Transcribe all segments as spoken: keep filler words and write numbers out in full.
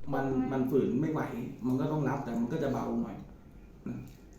มันมันฝืนไม่ไหวมันก็ต้องรับแต่มันก็จะเบาหน่อยนะ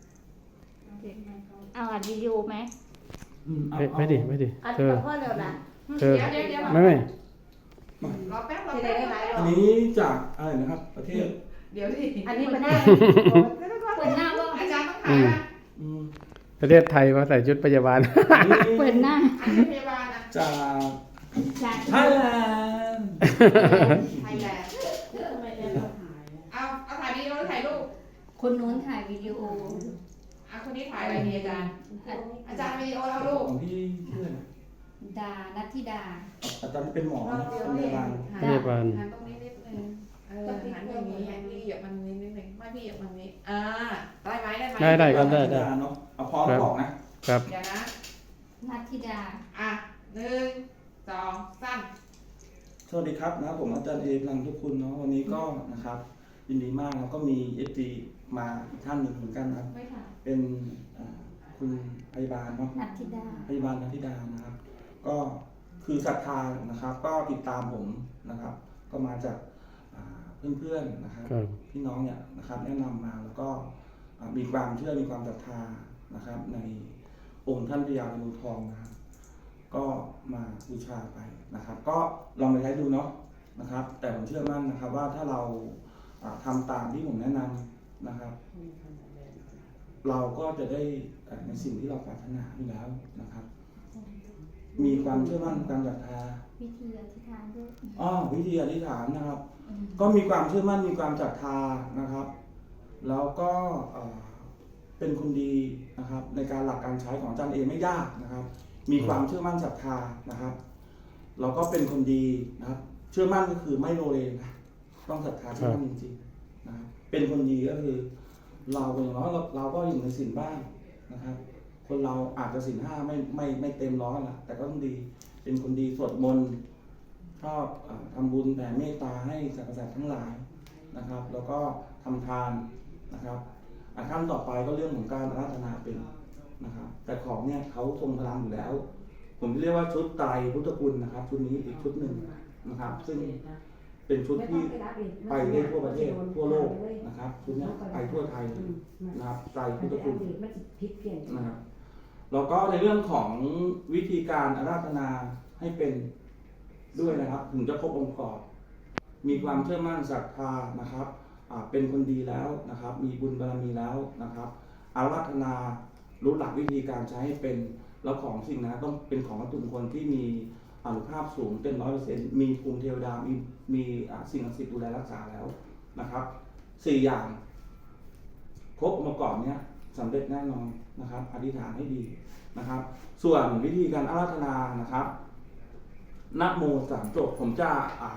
เอาอัดวิดีโอไหมอืมเอาไม่เอาไม่ดิไม่ดิอัดเธอกับพ่อเร็วล่ะเธอเดี๋ยวเดี๋ยวเดี๋ยวไม่ไม่รอแป๊บรอจะแป๊ได้บหลายรออับนนี้จากอะไรนะครับ ประเทศเดี๋ยวดิอันนี้มันหน้าเปิดหน้าว่าอาจารย์ต้องถ่ายนะอืมประเทศไทยมาใส่ชุดพยาบาลอันนี้เปิดหน้าอันนี้พยาบาลนะจากจากไทยแลนด์ไทยแลนด์เอาเอาถ่ายวิดีโอหรือถ่ายรูปคนนู้นถ่ายวิดีโออ่ะคนนี้ถ่ายอะไรดีอาจารย์ อาจารย์วิดีโอเอารูปของพี่ชื่ออะไรนะดานัทธิดาอาจารย์เป็นหมอนะเป็นพยาบาลพยาบาลหันตรงนี้นิดนึงเออหันอย่างนี้พี่เหยียบมันนิดนิดนึงไม่พี่เหยียบมันนี้อ่าได้ไหมได้ไหมได้ได้ครับได้ได้เนาะเอาพอแล้วบอกนะครับเดี๋ยวนะนัทธิดาอ่ะหนึ่งสองสามสวัสดีครับนะผมอาจารย์เอพลังทุกคุณเนาะวันนี้ก็นะครับยินดีมากแล้วก็มีเอฟซีมาอีกท่านหนึ่งเหมือนกันนะครับไม่ค่ะเป็นอ่าคุณพยาบาลเนาะนัทธิดาพยาบาลนันทิดานะครับ ก็คือศรัทธานะครับ ก็ติดตามผมนะครับ ก็มาจากอ่าเพื่อนๆนะครับครับพี่น้องเนี่ยนะครับแนะนำมาแล้วก็อ่ามีความเชื่อมีความศรัทธานะครับ ในองค์ท่านพญางูทองนะครับ ก็มาบูชาไปนะครับ ก็ลองไปใช้ดูเนาะนะครับ แต่ผมเชื่อมั่นนะครับว่าถ้าเราอ่าทำตามที่ผมแนะนำนะครับ เราก็จะได้ในสิ่งที่เราปรารถนาอยู่แล้วนะครับ มีความเชื่อมั่นความศรัทธาวิธีอธิษฐานด้วยอ้อวิธีอธิษฐานนะครับ ก็มีความเชื่อมั่นมีความศรัทธานะครับ แล้วก็เอ่อเป็นคนดีนะครับ ในการหลักการใช้ของอาจารย์เองไม่ยากนะครับ มีความเชื่อมั่นศรัทธานะครับ เราก็เป็นคนดีนะครับ เชื่อมั่นก็คือไม่โลเลนะต้องศรัทธาเชื่อมั่นจริงๆนะครับเป็นคนดีก็คือ เราอย่างน้อยเราเราก็อยู่ในศีลบ้างนะครับ คนเราอาจจะศีลห้าไม่ไม่ไม่เต็มร้อยละแต่ก็ต้องดี เป็นคนดีสวดมนต์ชอบเอ่อทำบุญแผ่เมตตาให้สรรพสัตว์ทั้งหลายนะครับ แล้วก็ทำทานนะครับอ่ะขั้นต่อไปก็เรื่องของการอาราธนาเป็นนะครับ แต่ของเนี่ยเขาทรงพลังอยู่แล้ว ผมเรียกว่าชุดไตรพุทธคุณนะครับ ชุดนี้อีกชุดหนึ่งนะครับ ซึ่งเป็นชุดที่ไปได้ทั่วประเทศทั่วโลกนะครับชุดนี้ไปทั่วไทยนะครับไตรพุทธคุณนะครับแล้วก็ในเรื่องของวิธีการอาราธนาให้เป็นด้วยนะครับ ถึงจะครบองค์ประกอบมีความเชื่อมั่นศรัทธานะครับอ่าเป็นคนดีแล้วนะครับ มีบุญบารมีแล้วนะครับอาราธนารู้หลักวิธีการใช้ให้เป็นแล้วของสิ่งนั้นต้องเป็นของวัตถุมงคลที่มีอานุภาพสูงเป็นร้อยเปอร์เซ็นต์มีภูมิเทวดามีมีสิ่งศักดิ์สิทธิ์ดูแลรักษาแล้วนะครับสี่อย่างครบองค์ประกอบเนี้ยสำเร็จแน่นอนนะครับอธิษฐานให้ดีนะครับ ส่วนวิธีการอาราธนานะครับนะโมสามจบผมจะอ่า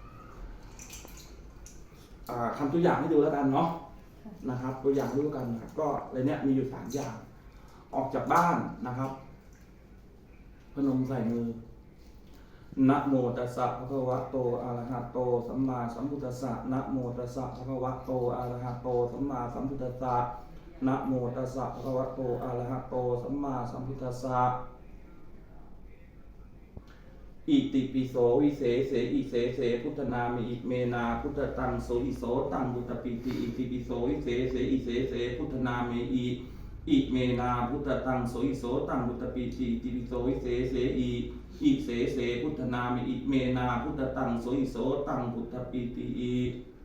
อ่าทำตัวอย่างให้ดูแล้วกันเนาะนะครับ ตัวอย่างให้ดูกันนะครับก็เลยเนี้ยมีอยู่สามอย่างออกจากบ้านนะครับพนมใส่มือนะโมตัสสะภะคะวะโตอะระหะโตสัมมาสัมพุทธัสสะนะโมตัสสะภะคะวะโตอะระหะโตสัมมาสัมพุทธัสสะนะโมตัสสะภะคะวะโตอะระหะโตสัมมาสัมพุทธัสสะอิติปิโสวิเศษเสอิเสเสพุทธนามิอิเมนาพุทธตังโสอิโสตังบุตตปิติอิติปิโสวิเศษเสอิเสเสพุทธนามิอิอิเมนาพุทธตังโสอิโสตังบุตตปิติอิติปิโสวิเศษเสอิอิเสเสพุทธนามิอิเมนาพุทธตังโสอิโสตังบุตตปิติอิ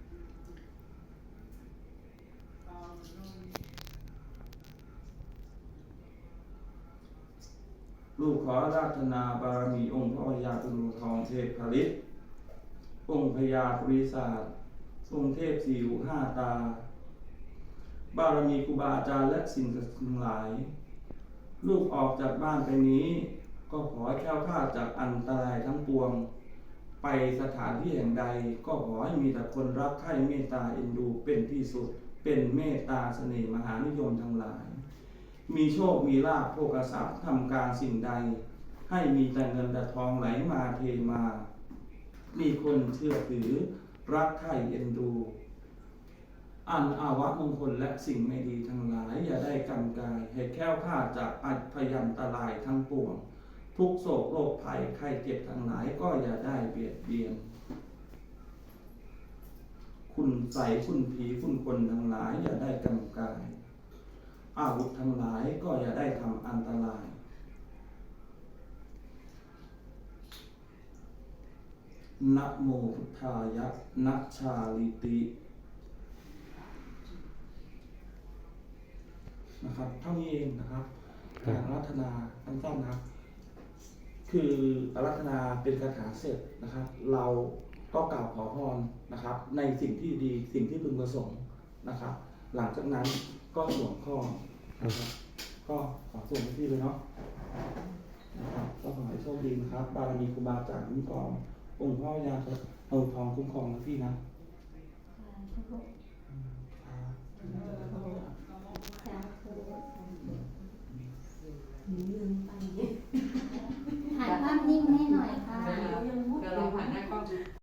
ลูกขออาราธนาบารมีองค์พระพญาตุลูทองเทพผลิตองค์พญาปริศาสองค์เทพสี่หูห้าตาบารมีครูบาอาจารย์และสิ่งศักดิ์สิทธิ์ทั้งหลาย ลูกออกจากบ้านไปนี้ ก็ขอให้แคล้วคลาดจากอันตรายทั้งปวง ไปสถานที่แห่งใด ก็ขอให้มีแต่คนรักใคร่เมตตาเอ็นดูเป็นที่สุด เป็นเมตตาเสน่ห์มหานิยมทั้งหลาย มีโชคมีลาภโภคทรัพย์ทำการสิ่งใด ให้มีแต่เงินแต่ทองไหลมาเทมา มีคนเชื่อถือรักใคร่เอ็นดู อันอาวะมงคลและสิ่งไม่ดีทั้งหลาย อย่าได้กำกายให้แค้วคลาดจากอัพยันตรายทั้งปวง ทุกโศกโรคภัยไข้เจ็บทั้งหลายก็อย่าได้เบียดเบียน คคุณใสคุณผีคุณคนทั้งหลายอย่าได้กำกายอาวุธทั้งหลายก็อย่าได้ทำอันตรายนะโมพุทธายะนะชาลิตินะครับเท่านี้เองนะครับการอารัธนาสั้นๆนะครับ คืออารัธนาเป็นคาถาเสร็จนะครับ เราก็กล่าวขอพรนะครับ ในสิ่งที่ดีสิ่งที่พึงประสงค์นะครับ หลังจากนั้นก็สวมข้อนะครับ ก็ขอส่งให้พี่เลยเนาะนะครับก็ขอให้โชคดีนะครับ บารมีครูบาอาจารย์คุ้มครององค์พ่อยาองค์ทองคุ้มครองนะพี่นะครับสาธุลืมไป